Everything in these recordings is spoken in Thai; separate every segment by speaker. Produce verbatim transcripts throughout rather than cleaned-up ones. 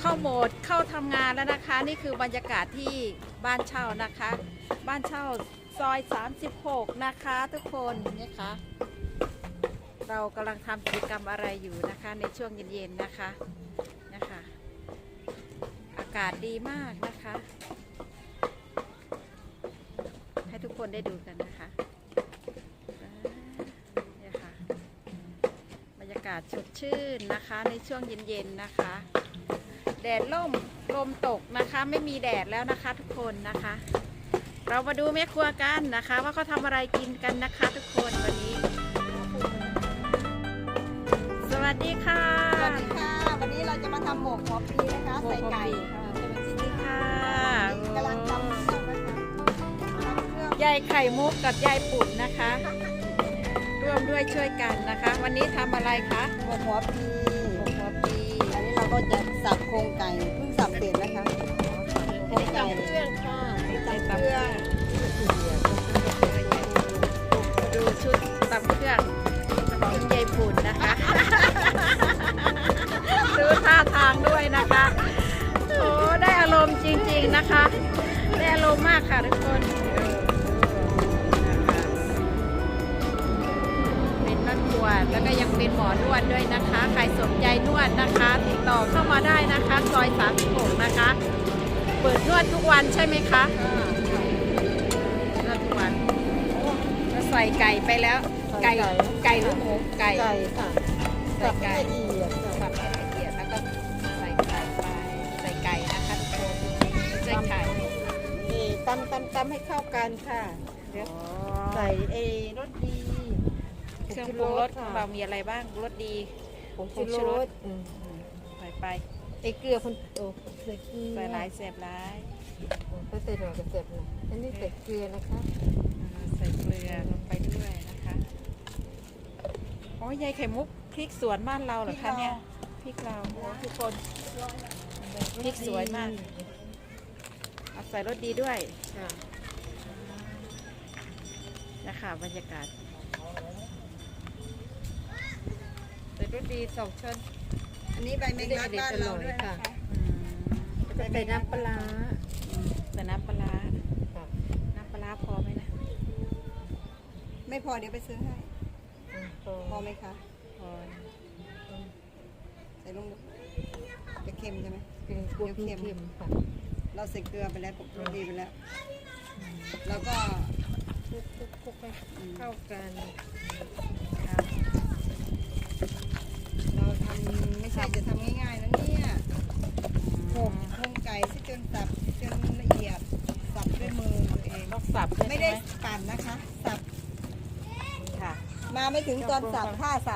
Speaker 1: เข้าโหมดเข้าทำงานแล้วนะคะนี่คือบรรยากาศที่บ้านเช่านะคะ บ้านเช่าซอยสามสิบหกนะคะทุกคนนี่ค่ะเรากำลังทำกิจกรรมอะไรอยู่นะคะในช่วงเย็นๆนะคะนะคะอากาศดีมากนะคะให้ทุกคนได้ดูกันนะคะนี่ค่ะบรรยากาศสดชื่นนะคะในช่วงเย็นๆนะคะแดดล่มลมตกนะคะไม่มีแดดแล้วนะคะทุกคนนะคะเรามาดูแม่ครัวกันนะคะว่าเขาทำอะไรกินกันนะคะทุกคนวันนี้สวัสดีค่ะ
Speaker 2: สวัสดีค่ะวันนี้เราจะมาทำหมกหัวปีนะคะใส่ไก่ค่ะ
Speaker 1: สวัสดีค่ะ
Speaker 2: กำลังทำเครื่องนะคะทำเครื่อง
Speaker 1: ยายไข่มุกกับยายปุ่นนะคะ ร่วมด้วยช่วยกันนะคะ วันนี้ทำอะไรคะ
Speaker 2: หมกหัวปี
Speaker 1: หมกหัวปี
Speaker 2: อันนี้เราก็จะสับโครงไก่เพิ่งสับเสร็จนะคะโครงไก่
Speaker 1: เครื่องค่ะ
Speaker 2: ใส่เครื่อง
Speaker 1: ดูชุดตำเครื่องของยายปุ่นนะคะ ดูท่าทางด้วยนะคะโอ้ได้อารมณ์จริงๆนะคะได้อารมณ์มากค่ะทุกคนเป็นนักบวชแล้วก็ยังเป็นหมอนวดด้วยนะคะใครสนใจนวดนะคะติดต่อเข้ามาได้นะคะซอยสามสิบหกนะคะเปิดนวดทุกวันใช่ไหมคะนวดทุกวันเราใส่ไก่ไปแล้วไก่ไก่หรือหมูไก่
Speaker 2: ไก่ค่ะ
Speaker 1: ใส่ไก่
Speaker 2: ละเอียด
Speaker 1: สับให้ละเอียดแล้วก็ใส่ไก่ไปใส่ไก่นะคะทุกคนใส่ไข่
Speaker 2: นี่ตำตำตำให้เข้ากันค่ะเดี๋ยวใส่เอรสดี
Speaker 1: เครื่องปรุงรสของเรามีอะไรบ้างรสดี
Speaker 2: ผงชูรส
Speaker 1: ใส่ไป
Speaker 2: ไอเกลือคนโอ้ใส่เกลือ
Speaker 1: ใส่หลายเสพหลาย
Speaker 2: ก็ใส่หน่อยก็เสร็จนะอันนี้ใส่เกลือนะคะ
Speaker 1: อ่าใส่เกลือลงไปด้วยนะคะอ๋อยายไข่มุกพริกสวนบ้านเราเหรอคะเนี่ยพริกเราโอ้ทุกคนพริกสวยมากเอาใส่รสดีด้วย
Speaker 2: ค่ะ
Speaker 1: นะคะบรรยากาศ
Speaker 2: ใส่รสดีสองช้อนอันนี้ใบแมงลักบ้านเราด้วยนะคะ
Speaker 1: อืม
Speaker 2: จะใส่น้ำปลา
Speaker 1: แต่น้ำปลาร้าน้ำปลาร้าพอไหมนะ
Speaker 2: ไม่พอเดี๋ยวไปซื้อให้ พอไหมคะ
Speaker 1: พอ
Speaker 2: ใส่ลงจะเค็มใช่ไหม
Speaker 3: เป็นกลัวเค็มค่ะ
Speaker 2: เราใส่เกลือไปแล้วปกติไปแล้ว แล้วก็
Speaker 3: คลุกคลุกคลุกให้เข้ากัน
Speaker 1: ครับ
Speaker 2: เราทำไม่ใช่จะทำง่ายๆนะเนี่ยโขลกโครงไก่ที่จนสับจนละเอียดสับด้วยมือตัวเอง
Speaker 1: ต้องสับด้วย
Speaker 2: ไม่
Speaker 1: ใช่
Speaker 2: ได้
Speaker 1: ไหม
Speaker 2: ปั่นนะคะ สับ
Speaker 1: ค่ะ
Speaker 2: มาไม่ถึงตอนสับท่าสับ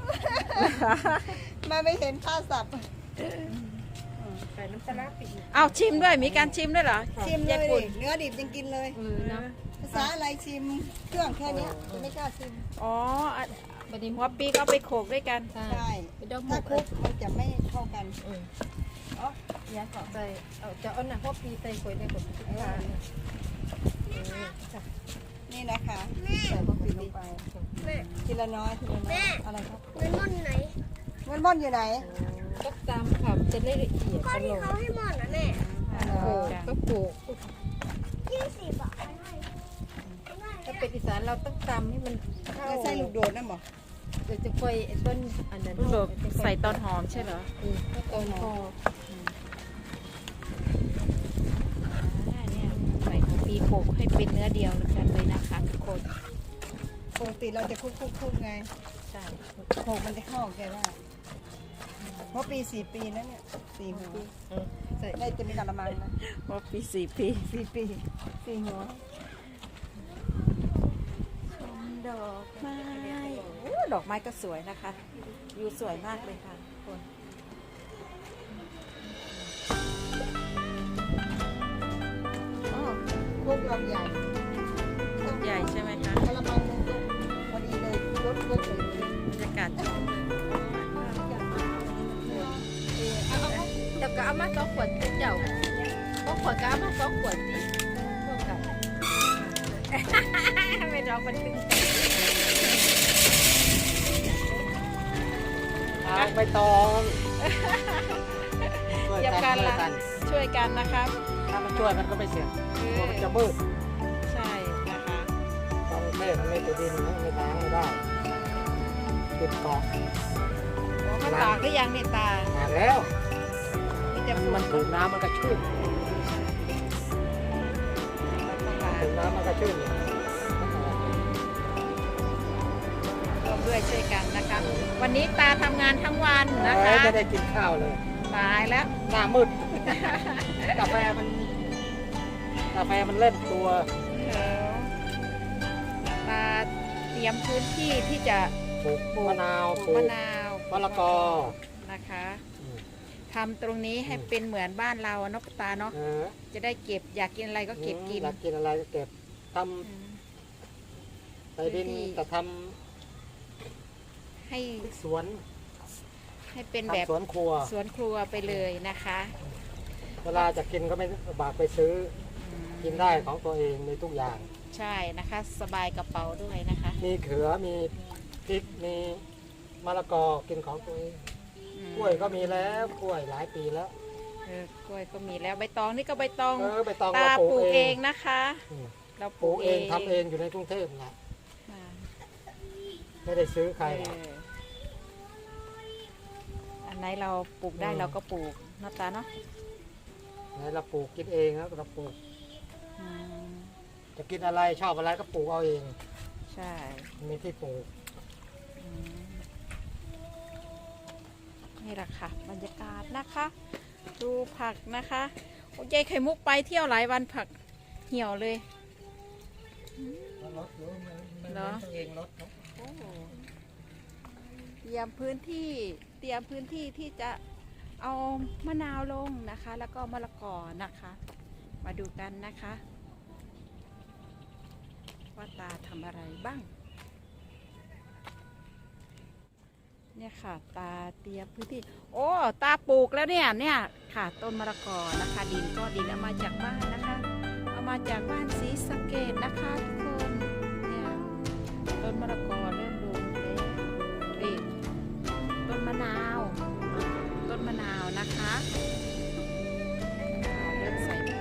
Speaker 2: มาไม่เห็นท่าสับ
Speaker 3: ใส่น้ำปลาร้าไปอีก
Speaker 1: เอาชิมด้วยมีการชิมด้วยเหรอ
Speaker 2: ชิมเลย
Speaker 1: ญี่ปุ่น
Speaker 2: ดิเนื้อดิบยังกินเลย
Speaker 3: เออเนาะ
Speaker 2: ภาษาอะไรชิมเครื่องแค่เนี้ยจะไม่กล้าชิม
Speaker 1: อ๋ออ่ะ
Speaker 3: บัดนี้
Speaker 1: หัวปีก็เอาไปโขลกด้วยกัน
Speaker 3: ใช่
Speaker 2: ใช่
Speaker 3: ไปดอกหม
Speaker 2: ถ้าก คลุกมันจะไม่เข้ากัน
Speaker 3: เออ
Speaker 2: อ๋ออย่าขอ
Speaker 3: ใส่เอาจะเอาหนังพวกปีใส่ก๋วยในกับทุกทานเออจ้ะ
Speaker 2: นี่นะคะ
Speaker 3: ใส่พวกปี
Speaker 2: ลงไป
Speaker 3: แม่
Speaker 2: ทีละน้อยทีละน้อยอะไรครับ
Speaker 4: เงินม่อนไหน
Speaker 2: เงินม่อนอยู่ไหน
Speaker 3: ก็ตามค่ะจะได้ละเอียด
Speaker 4: ข้อ
Speaker 3: อ
Speaker 4: ที่
Speaker 3: ร่อย
Speaker 4: เขาให้ม่อนนะแม่
Speaker 3: โขลกก็โขลก
Speaker 4: ยี่สิบอ่ะให้
Speaker 3: ถ้าเป็นอีสานเราต้องตำให้มันเข้า
Speaker 2: เราใส่ลูกโดดนั่นบอก
Speaker 3: เดี๋ยวจะค่อยไอ้ต้นอันนั้น
Speaker 1: ลูกโดดใส่ตอนหอมใช่เหรอ
Speaker 3: เออก็ตอนพอ
Speaker 1: อ่าเนี่ยใส่หัวปีโขลกให้เป็นเนื้อเดียวกันเลยนะคะทุกคน
Speaker 2: ปกติเราจะคลุกคลุกคลุกไง
Speaker 1: ใช่
Speaker 2: โขกมันจะเข้าแกได้เพราะปีสี่ปีแล้วเนี่ยสี่หัว
Speaker 3: เออใส่
Speaker 2: ได้จะมีกระมังนะ
Speaker 1: ว่าปีสี่ปี
Speaker 2: สี่ปีสี่หัว
Speaker 1: ดอกไม้โอ้ดอกไม้ก็สวยนะคะวิวสวยมากเลยค่ะทุกคน
Speaker 2: อ๋อคลุกเราใหญ่
Speaker 1: ต้นใหญ่ใช่ไหมคะ
Speaker 2: กระมังนึงพอดีเลยรถรถเลย
Speaker 1: บรรยากาศดี
Speaker 3: เดี๋ยวก็เอามาสองขวดเจ้าก็ขวดก็เอามาสองขวดสิพวกกัน
Speaker 1: ไม่ร้องมันถึงเอาไปตองอย่ากัน
Speaker 5: ช่วย
Speaker 1: ละ
Speaker 5: กัน
Speaker 1: ช่วยกันนะครับ
Speaker 5: ถ้ามันช่วยมันก็ไม่เสีย
Speaker 1: เอ
Speaker 5: ตัว
Speaker 1: อ
Speaker 5: มันจะมืด
Speaker 1: ใช่นะคะ
Speaker 5: ตอนเทศมันไม่ติดดินนะไม่ล้างไม่ได้ติดเกาะ
Speaker 1: โอ้เขาตากได้ยังเนี่ยตา
Speaker 5: อ่านแล้ว
Speaker 1: มีแต่
Speaker 5: มัน
Speaker 1: ฝุ่
Speaker 5: มันถูกน้ำมันก็ชื้น
Speaker 1: ต้องล้าง
Speaker 5: ถูกน้ำมันก็ชื้นเนี่ย
Speaker 1: ร่วมด้วยช่วยกันนะคะ วันนี้ตาทำงานทั้งวันนะคะ
Speaker 5: จะได้กินข้าวเลย
Speaker 1: ตายแล้ว
Speaker 5: หน้ามืด กาแฟมันกาแฟมันเล่นตัว
Speaker 1: เออตาเตรียมพื้นที่ที่จะ
Speaker 5: ปลูก
Speaker 1: ปลูก
Speaker 5: มะนาว
Speaker 1: ป
Speaker 5: ป
Speaker 1: ลู
Speaker 5: ลู
Speaker 1: ก
Speaker 5: ก
Speaker 1: มะนาว
Speaker 5: มะละกอ
Speaker 1: นะคะ
Speaker 5: อืม
Speaker 1: ทำตรงนี้ให้เป็นเหมือนบ้านเราอะเนาะตาเนาะ
Speaker 5: เออ
Speaker 1: จะได้เก็บอยากกินอะไรก็เก็บกิน
Speaker 5: อยากกินอะไรก็เก็บท
Speaker 1: อืม
Speaker 5: ำใส่ดิน
Speaker 1: พื้นที่
Speaker 5: จะท
Speaker 1: ให้
Speaker 5: ำสวน
Speaker 1: ให้เป็นแบบ
Speaker 5: ทำสวนครัว
Speaker 1: สวนครัวไปเลยนะคะ
Speaker 5: เวลาจะกินก็ไม่ลำบากไปซื้อ
Speaker 1: อืม
Speaker 5: กินได้ของตัวเองในทุกอย่าง
Speaker 1: ใช่นะคะ สบายกระเป๋าด้วยนะคะ
Speaker 5: มีเขือมีพริกมีมะละกอกินของตัวเอง
Speaker 1: อืม
Speaker 5: กล้วยก็มีแล้วกล้วยหลายปีแล้ว
Speaker 1: เออกล้วยก็มีแล้วใบตองนี่ก็ใบตอง
Speaker 5: เออไปตอง
Speaker 1: ตา
Speaker 5: เรา
Speaker 1: ปลูก
Speaker 5: เอ
Speaker 1: เอง งนะคะ
Speaker 5: อืม
Speaker 1: เราป
Speaker 5: ป
Speaker 1: ลู
Speaker 5: ลู
Speaker 1: ก
Speaker 5: ก
Speaker 1: เอ
Speaker 5: เอง งทำเองอยู่ในกรุงเทพนะ
Speaker 1: อ่า
Speaker 5: ไม่ได้ซื้อใคร
Speaker 1: เอออันไหนเราปลูกได้
Speaker 5: อืม
Speaker 1: เราก็ปลูกเนาะตาเนาะ
Speaker 5: ไหนเราปลูกกินเองแล้วเราปลูก
Speaker 1: อืม
Speaker 5: จะกินอะไรชอบอะไรก็ปลูกเอาเอง
Speaker 1: ใช่
Speaker 5: มีที่ปลูก
Speaker 1: อืมนี่แหละค่ะบรรยากาศนะคะ ดูผักนะคะโอ้ยายไข่มุกไปเที่ยวหลายวันผักเหี่ยวเลย
Speaker 5: รถหรือมันมัน
Speaker 1: เหรอ
Speaker 5: ตัวเองรถเนอะ
Speaker 1: โอ้เตรียมพื้นที่เตรียมพื้นที่ที่จะเอามะนาวลงนะคะ แล้วก็มะละกอนะคะ มาดูกันนะคะ ว่าตาทำอะไรบ้าง เนี่ยค่ะ ตาเตรียมพื้นที่ โอ้ตาปลูกแล้วเนี่ยเนี่ยค่ะ ต้นมะละกอนะคะ ดินก็ดินเอามาจากบ้านนะคะ เอามาจากบ้านศรีสะเกษนะคะทุกคนเนี่ยต้นมะละกอเริ่มลงแล้วนี่ต้นมะนาว ต้นมะนาวนะคะมะนาวเริ่มใส่ปุ๋ย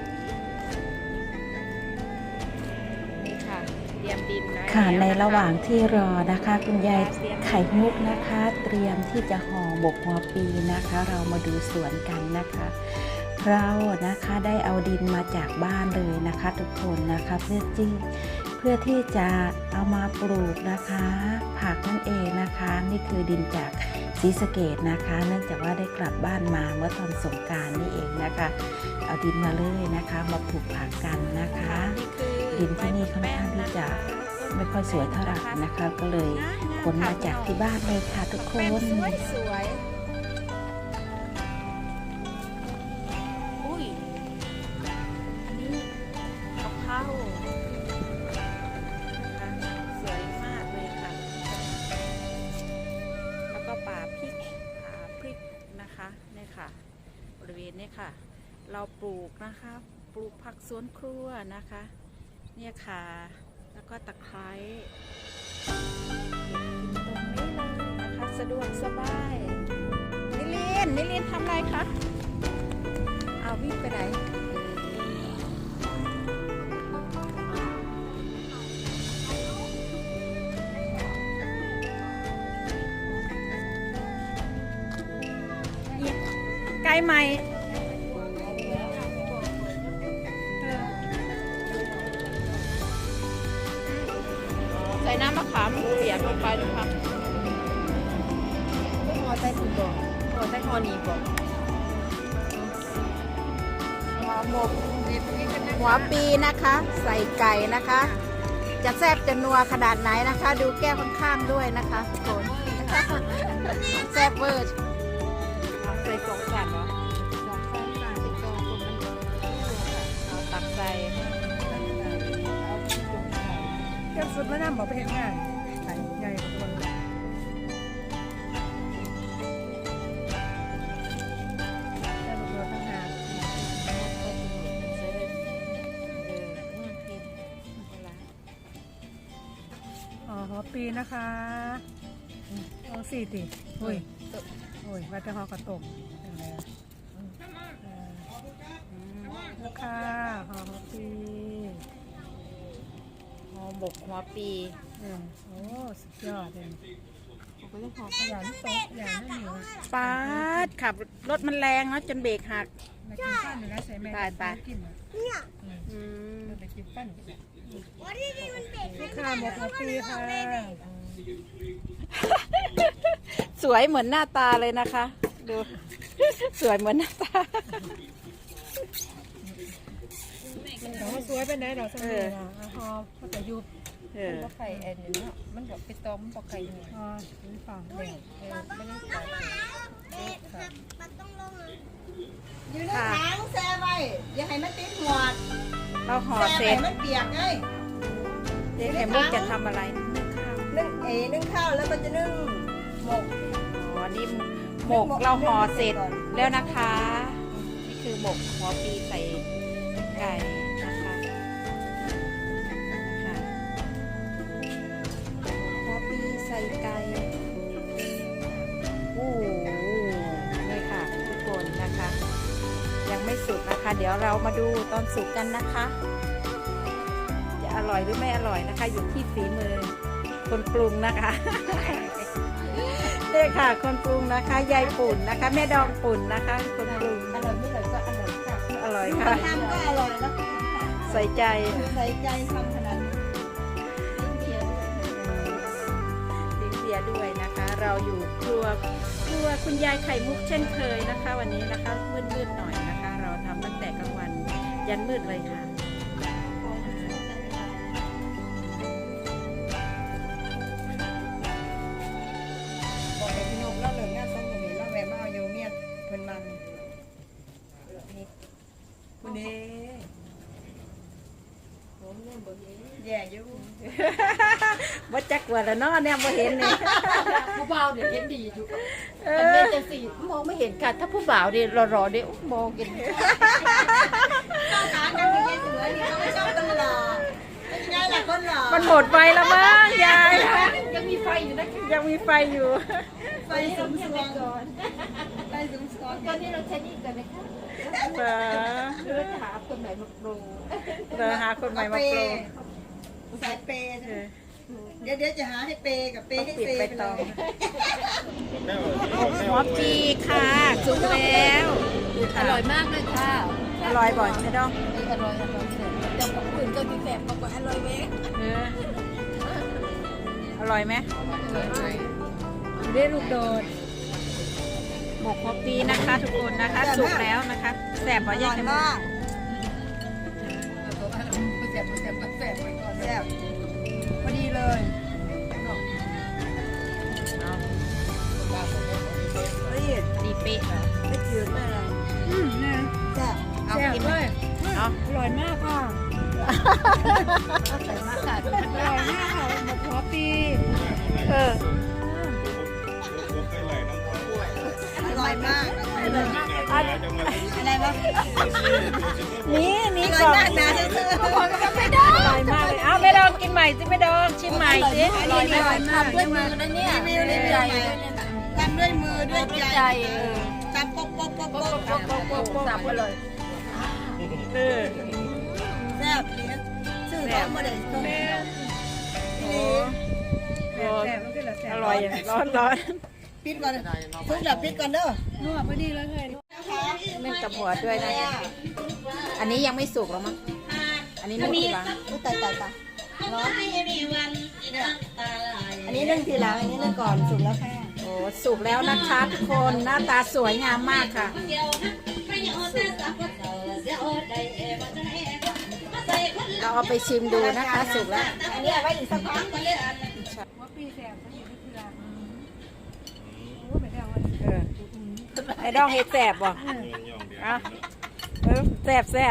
Speaker 1: นี่ค่ะเตรียมดินไว้
Speaker 6: ค่ะ
Speaker 1: แล้ว
Speaker 6: ใน
Speaker 1: ค
Speaker 6: ระหว่างที่รอนะคะ คุณยายไข่มุกนะคะ เตรียมที่จะห่อบกหัวปีนะคะ เรามาดูสวนกันนะคะ เรานะคะได้เอาดินมาจากบ้านเลยนะคะ ทุกคนนะคะเพื่อที่เพื่อที่จะเอามาปลูกนะคะ ผักนั่นเองนะคะ นี่คือดินจากศรีสะเกษนะคะ เนื่องจากว่าได้กลับบ้านมาเมื่อตอนสงกรานต์นี่เองนะคะ เอาดินมาเลยนะคะ มาปลูกผักกันนะคะ
Speaker 1: นี่คือ
Speaker 6: ดินที่นี่ค่อนข้างที่จะไม่ค่อยสวยเท่าไหร่นะคะ ก็เลยขนมาจากที่บ้านเลยค่ะทุกค
Speaker 1: แป้ง
Speaker 6: น
Speaker 1: สวยสวยอุ้ยอันนี้กะเพรานะคะสวยมากเลยค่ะ แล้วก็ป่าพริกป่าพริกนะคะเนี่ยค่ะ บริเวณนี้ค่ะ เราปลูกนะคะ ปลูกผักสวนครัวนะคะ เนี่ยค่ะ แล้วก็ตะไคร้เก็บกินตรงนี้เลยนะคะ สะดวกสบายนิลินนิลินทำอะไรคะเอาวิ่งไปไหนเอี๊ยะไกลไหมเออ ใส่น้ำมะขามเปียกลงไปนะคะ
Speaker 3: พอใจถูกบอกพอใจคอหนีบอก
Speaker 1: หัวหมกหัวปีนะคะ ใส่ไก่นะคะ จะแซ่บจะนัวขนาดไหนนะคะ ดูแก้วข้างๆด้วยนะคะทุกคน แซ่บเวอร์เอาใส่สองสันเหรอสองสันค่ะติดตัวคนมันเอาตักใส่
Speaker 3: แก้สุดแล้วน้ำบอกไปเห็นงานใส่ใหญ่กว่าตัวแค่ตัวตั้งหาก อ๋อหัวปีนะคะลองสี่ติโอ้ยโอ้ยว่าจะหอกระตกเป็นไรอ่ะ
Speaker 1: กหัวปี
Speaker 3: เออโอ้สุดยอดเลยผมก็เลยขอขยันโตขยันนั่นอยู่
Speaker 1: ปาดขับรถมันแรงเนาะจนเบรกหัก
Speaker 3: มากินปั้นหรือนะใส่แม่
Speaker 1: ไปไป
Speaker 3: กินเหรอ
Speaker 4: เนี่ย
Speaker 1: อืม
Speaker 3: ไปกินปั้น
Speaker 4: วันนี้นี่มันเด็ก
Speaker 3: ลูกค้าหมดหัวปีค่ะ
Speaker 1: สวยเหมือนหน้าตาเลยนะคะ ดู สวยเหมือนหน้าตา
Speaker 3: แต่ว่าสวยเป็นไงดอกสมัยนะฮอก็แต่ยุบ
Speaker 1: เออ
Speaker 3: มันไข่แอนนี่เนาะมันบอกไปต้มบอกไข่เนี่ยอ๋อนี่ฝั่งแดงเออไม่ได้ใส่
Speaker 4: เด็กครับมันต้องลงเลย
Speaker 2: ยืนในถังแช่ไว้อย่าให้มันติดหัว
Speaker 1: เราห่อ
Speaker 2: แช่
Speaker 1: เสร็
Speaker 2: ไว้
Speaker 1: จ
Speaker 2: มันเปียกไง
Speaker 1: เจ๊ไข่มุกจะทำอะไรนึ่งข้าว
Speaker 2: นึ่งเอนึ่งข้าวแล้วก็จะนึ่งหมก
Speaker 1: อ๋อนี่หมกเราห่อเสร็จแล้วนะคะ นี่คือหมกหัวปีใส่ไก่นะคะค่ะหัวปีใส่ไก่โอ้โหนี่ค่ะทุกคนนะคะ ยังไม่สุกนะคะ เดี๋ยวเรามาดูตอนสุกกันนะคะ จะอร่อยหรือไม่อร่อยนะคะ อยู่ที่ฝีมือคนปรุงนะคะนี่ค่ะคนปรุงนะคะยายปุ่นนะคะ แม่ดองปุ่นนะคะ คนปรุง
Speaker 2: อร่อยไม่อร่อยก็อร่อยค่ะ
Speaker 1: อร่อย
Speaker 2: ค
Speaker 1: ค่ะ
Speaker 2: นทำก็อร่อยแล้ว
Speaker 1: ใส่ใจ
Speaker 2: ใส่ใจทำขนาดนี้
Speaker 1: ลิ้นเบียร์ด้วยนะคะ เราอยู่ครัวครัวคุณยายไข่มุกเช่นเคยนะคะ วันนี้นะคะมืดๆหน่อยนะคะ เราทำตั้งแต่กลางวันยันมืดเลยค่ะ
Speaker 2: บอกให้พี่นกเล่าเรื่องงานส่งตรงนี้เล่าแวะมาเอาอยู่เมียเพิ่นมันนี่คุณเด้แย่อยู่
Speaker 1: บ่จักว่าแล้วเนาะเนี่ยบ่เห็นนี่
Speaker 3: ผู้บ่าวเนี่ยเห็นดีอยู่
Speaker 1: เอ
Speaker 3: อัน
Speaker 1: อ
Speaker 3: นี้จะสีมองไม่เห็นค่ะถ้าผู้บ่าวเนี่ยรอๆเนี่ยมองเห็น
Speaker 2: ข้าวสารกันที่ยายเสือนี่เขาไม่ชอบกันหรอกเป็นไงล่ะคนหล่อ
Speaker 1: มันหมดไฟแล้วมั้งยาย
Speaker 3: ยังมีไฟอยู่นะ
Speaker 1: ยังมีไฟอยู่
Speaker 2: ไฟสูงสวงไฟสูงสวง
Speaker 3: ตอนนี้เราใช้นี่กันไหมคะ
Speaker 1: เออ
Speaker 3: เราจะหาคนไหนมาปรุง
Speaker 1: เดี๋ยวหาคนใหม่มาปรุง
Speaker 2: สายเปย์
Speaker 1: เออ
Speaker 2: เดี๋ยวเดี๋ยวจะหาให้เปย์กับเปย์ให้
Speaker 1: ปิด
Speaker 2: เปย์
Speaker 1: ไป
Speaker 2: ไป
Speaker 1: ต
Speaker 2: เล
Speaker 1: อง
Speaker 2: ย
Speaker 1: หัวปีค่ะสุกแล้ว
Speaker 3: อร่อยมากเลยค่ะ
Speaker 1: อร่อยบ่อยใช่ดอง
Speaker 3: อร่อยอร่อยเดี๋ยวของอื่นก็มีแสบมากกว่าอร่อยเว้ย
Speaker 1: เอออร่อยไหม
Speaker 3: ได้ลูกโดด
Speaker 1: หมกหัวปีนะคะ ทุกคนนะคะสุกแล้วนะคะแสบบ่
Speaker 2: อ
Speaker 1: แย
Speaker 2: ร่
Speaker 1: ก
Speaker 2: อย
Speaker 1: กัน
Speaker 2: มาก
Speaker 3: แสบแสบแสบไปก่อน
Speaker 2: แซ่บพอดีเลย
Speaker 1: เอา
Speaker 2: รีด
Speaker 1: ดีเป๊ะเหรอ
Speaker 2: ไม่จืดไม่อะไร
Speaker 3: อืมนะ
Speaker 2: แซ่บ
Speaker 1: เอา
Speaker 3: แสบ
Speaker 1: กิน
Speaker 3: เล
Speaker 1: ไหม
Speaker 3: ย
Speaker 1: เอา
Speaker 3: อร่อยมากค่ะ
Speaker 1: ใส่มากค่ะ
Speaker 3: อร่อยมากค่ะหมกหัวปี
Speaker 1: เออ
Speaker 2: อร่อยมาก
Speaker 1: อัน
Speaker 2: อะไรวะ
Speaker 1: นี้
Speaker 2: อ
Speaker 1: นี่
Speaker 2: ร่อย
Speaker 1: ก่อน
Speaker 2: มากนะเธอ
Speaker 1: อร่อยมากเลยเอาไม่ดองกินใหม่สิไม่ดองชิมใหม่สิอร่อยไหม
Speaker 3: ทำด้วยมือนะเนี่ย
Speaker 2: รีวิวรีวิวใหม่ทำด้วยมือด้วยใจจับป๊อกป๊อกป๊อกป๊อกป๊อกป๊อกป๊อกป๊อก
Speaker 3: สับไปเลย
Speaker 1: เออ
Speaker 2: แซ่บเลี้ยงซื้อของมาเด็ดต้อง
Speaker 1: โอ้โห
Speaker 3: แสบมันก็เหลือแสบ
Speaker 1: อร่อยอย่างร้อนร้อน
Speaker 2: ปิดก่อนทุกแบบปิดก่อนเด้อ
Speaker 3: นัวพอดีเลยเลย
Speaker 1: เล่นกับหัวด้วยนะอันนี้ยังไม่สุกหรอมั้งอันนี้นึ่งทีหลัง
Speaker 2: อุ้ยตายตายตายร้อนอันนี้นึ่งทีหลังอันนี้นึ่งก่อนสุกแล้วค่ะ
Speaker 1: โอ้สุกแล้วนะคะทุกคนหน้าตาสวยงามมากค่ะ เราเอาไปชิมดูนะคะสุกแล้ว
Speaker 2: อันนี้เอาไว้อีกสักพัก
Speaker 3: หัวปีแสบมันอยู่ที่เกลือโอ้ไม่ได้เอา
Speaker 1: เออไอ้ดองเห็ดแสบบ่อ่ะเออแสบแสบ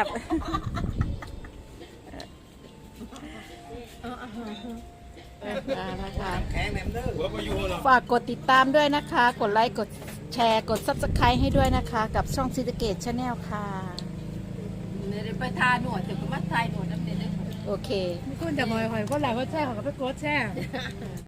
Speaker 1: เออนะคะ
Speaker 5: แข็งแหนมเด้อหัวประยูเหรอ
Speaker 1: ฝากกดติดตามด้วยนะคะ กดไลค์ กดแชร์ กด ซับสไครบ์ ให้ด้วยนะคะ กับช่องซีเกตชาแนลค่ะ
Speaker 3: เนี่ยไปทาหนวดแต่ก็มาทายหนวดน้ำเด็ดเลย
Speaker 1: โอเค
Speaker 3: มีคนจะมอยหอยก็หลายก็แช่ของก็ไปโกดแช่